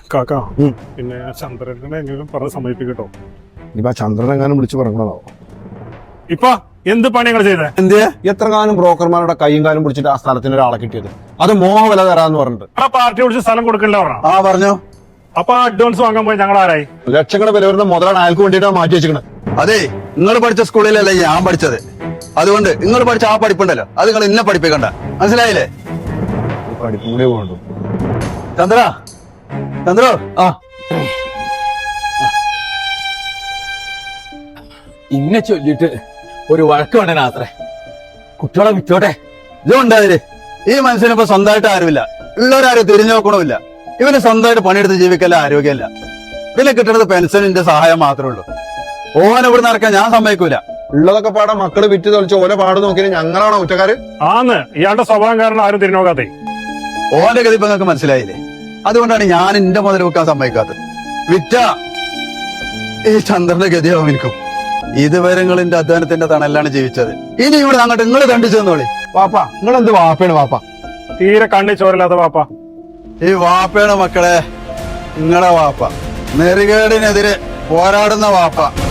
കാക്ക പിന്നെ ചന്ദ്രനെ എങ്ങനെയും പറഞ്ഞ് സമ്മതിപ്പിക്കട്ടോ. ഇനിയിപ്പോ ചന്ദ്രൻ എങ്ങാനും വിളിച്ചു പറഞ്ഞതാവോ? ഇപ്പൊ എന്ത് പണി ഞങ്ങൾ ചെയ്തേ? എന്ത് എത്ര കാലം ബ്രോക്കർമാരുടെ കൈയും കാലും പിടിച്ചിട്ട് ആ സ്ഥലത്തിന് ഒരാളെ കിട്ടിയത്? അത് മോഹ വില തരാന്ന് പറഞ്ഞിട്ട് ആ പാർട്ടി വിളിച്ച് സ്ഥലം കൊടുക്കണ്ട പറഞ്ഞ. ആ പറഞ്ഞോ. അപ്പൊ അഡ്വാൻസ് വാങ്ങാൻ പോയി ഞങ്ങൾ ആരായി? ലക്ഷങ്ങൾ വില വരുന്ന മുതലാണ് അയാൾക്ക് വേണ്ടിയിട്ടാണ് മാറ്റി വെച്ചിരിക്കണത്. അതെ, നിങ്ങൾ പഠിച്ച സ്കൂളിലല്ല ഞാൻ പഠിച്ചത്. അതുകൊണ്ട് നിങ്ങൾ പഠിച്ച ആ പഠിപ്പുണ്ടല്ലോ, അത് നിങ്ങൾ എന്നെ പഠിപ്പിക്കണ്ട. മനസ്സിലായില്ലേ? പഠിപ്പും കൂടി വേണ്ടു. ചന്ദ്ര, ചന്ദ്ര, ആ ഇന്നെ ചൊല്ലിട്ട് ഒരു വഴക്ക് വേണ്ടനാത്രേ. കുട്ടികളെ വിറ്റോട്ടെ. ഇതുണ്ടായത് ഈ മനുഷ്യനിപ്പോ സ്വന്തമായിട്ട് ആരുമില്ല, ഉള്ളവരാരും തിരിഞ്ഞു നോക്കണമില്ല. ഇവന് സ്വന്തമായിട്ട് പണിയെടുത്ത് ജീവിക്കല്ല, ആരോഗ്യമല്ല. പിന്നെ കിട്ടുന്നത് പെൻഷനിന്റെ സഹായം മാത്രമേ ഉള്ളൂ. ഓനെ ഇവിടെ നടക്കാൻ ഞാൻ സമ്മതിക്കൂല. ഉള്ളതൊക്കെ പാടെ മക്കള് വിറ്റ് തൊളിച്ച് ഓല പാട് നോക്കിയാൽ ഞങ്ങളാണോ കുറ്റക്കാര്? ആന്ന് ഇയാളുടെ സ്വഭാവം കാരണം ആരും തിരിഞ്ഞോക്കാതെ. ഓന്റെ ഗതി ഇപ്പൊ നിങ്ങൾക്ക് മനസ്സിലായില്ലേ? അതുകൊണ്ടാണ് ഞാൻ എന്റെ മുതൽ വെക്കാൻ സമ്മതിക്കാത്തത്. വിറ്റ ഈ ചന്ദ്രന്റെ ഗതിയാവും എനിക്കും. ഇതുവരെ നിങ്ങൾ എന്റെ അധ്വാനത്തിന്റെ തണലാണ് ജീവിച്ചത്. ഇനി ഇവിടെ അങ്ങോട്ട് നിങ്ങൾ കണ്ടിച്ചു തന്നോളി. വാപ്പ നിങ്ങളെന്ത് വാപ്പയാണ് വാപ്പ? തീരെ കണ്ണി ചോരല്ലാത്ത വാപ്പ. ഈ വാപ്പയാണ് മക്കളെ നിങ്ങളെ വാപ്പ. നെറികേടിനെതിരെ പോരാടുന്ന വാപ്പ.